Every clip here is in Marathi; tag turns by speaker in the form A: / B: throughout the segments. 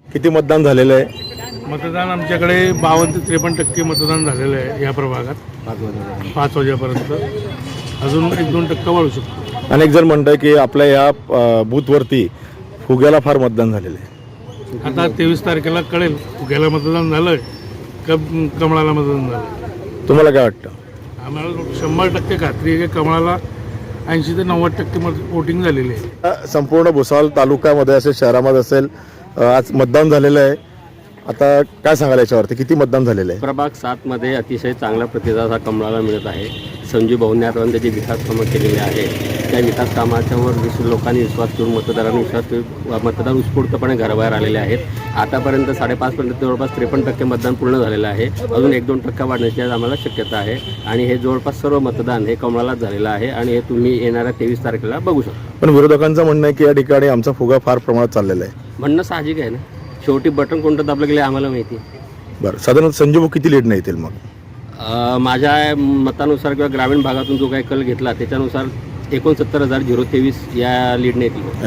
A: किती मतदान झालेलं आहे?
B: मतदान आमच्याकडे 52 ते 53% मतदान झालेलं आहे या प्रभागात 5 वाजेपर्यंत. अजून 1-2% वाढू शकतो.
A: अनेक जण म्हणतात की आपल्या या बूथवरती फुग्याला फार मतदान झालेलं आहे.
B: आता 23 तारखेला कळेल फुग्याला मतदान झालं का कमळाला मतदान झालं.
A: तुम्हाला काय वाटतं?
B: आम्हाला 100% खात्री आहे की कमळाला 80 ते 90% वोटिंग झालेली आहे.
A: संपूर्ण भुसावळ तालुक्यामध्ये असेल, शहरामध्ये असेल, आज मतदान झालेलं आहे. आता काय सांगाल याच्यावरती, किती मतदान झालेलं आहे?
C: प्रभाग 7 मध्ये अतिशय चांगला प्रतिसाद हा कमळाला मिळत आहे. संजीव भाऊंनी त्याची विकास कामं केलेली आहे. त्या विकास कामाच्यावर लोकांनी विश्वास ठेवून मतदारांनी विश्वास ठेवून मतदार उत्स्फूर्तपणे घराबाहेर आलेले आहेत. आतापर्यंत 5.5% जवळपास 53% मतदान पूर्ण झालेलं आहे. अजून 1-2% वाढण्याची आज आम्हाला शक्यता आहे आणि हे जवळपास सर्व मतदान हे कमळालाच झालेलं आहे आणि हे तुम्ही येणाऱ्या 23 तारखेला बघू शकता.
A: पण विरोधकांचं म्हणणं आहे की या ठिकाणी आमचा फुगा फार प्रमाणात चाललेला आहे.
C: म्हणणं साहजिक आहे ना, शेवटी बटन कोणतं दाबलं गेलं आम्हाला माहिती आहे.
A: बरं, साधारण संजीव भाऊ किती लीड नाही येतील मग?
C: माझ्या मतानुसार किंवा ग्रामीण भागातून जो काही कल घेतला त्याच्यानुसार 69,023 या लीडने येतील.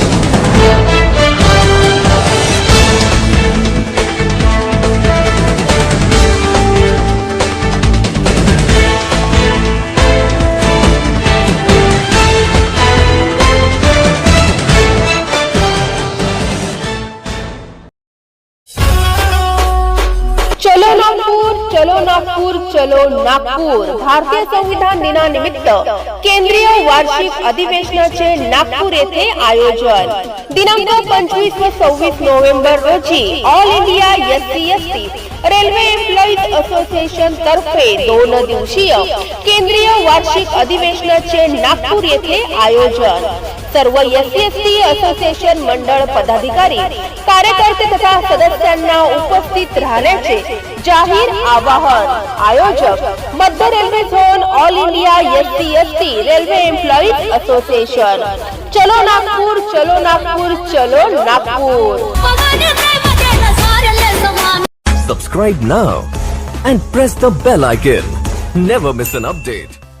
D: चलो नागपूर, चलो नागपूर, चलो नागपूर. भारतीय संविधान दिनानिमित्त केंद्रीय वार्षिक अधिवेशनाचे नागपूर येथे आयोजन. दिनांक 25 व 26 नोव्हेंबर रोजी all India SC/ST railway employees association तर्फे 2 दिवसीय केंद्रीय वार्षिक अधिवेशनाचे नागपूर येथे आयोजन. सर्व SC/ST असोसिएशन मंडळ पदाधिकारी, कार्यकर्ते तथा सदस्यांना उपस्थित राहण्याचे जाहीर आवाहन. आयोजक मध्य railway zone, all India SC/ST railway employees association. चलो नागपूर, चलो नागपूर, चलो Nagpur.
E: Subscribe now and press the bell icon. Never miss an update.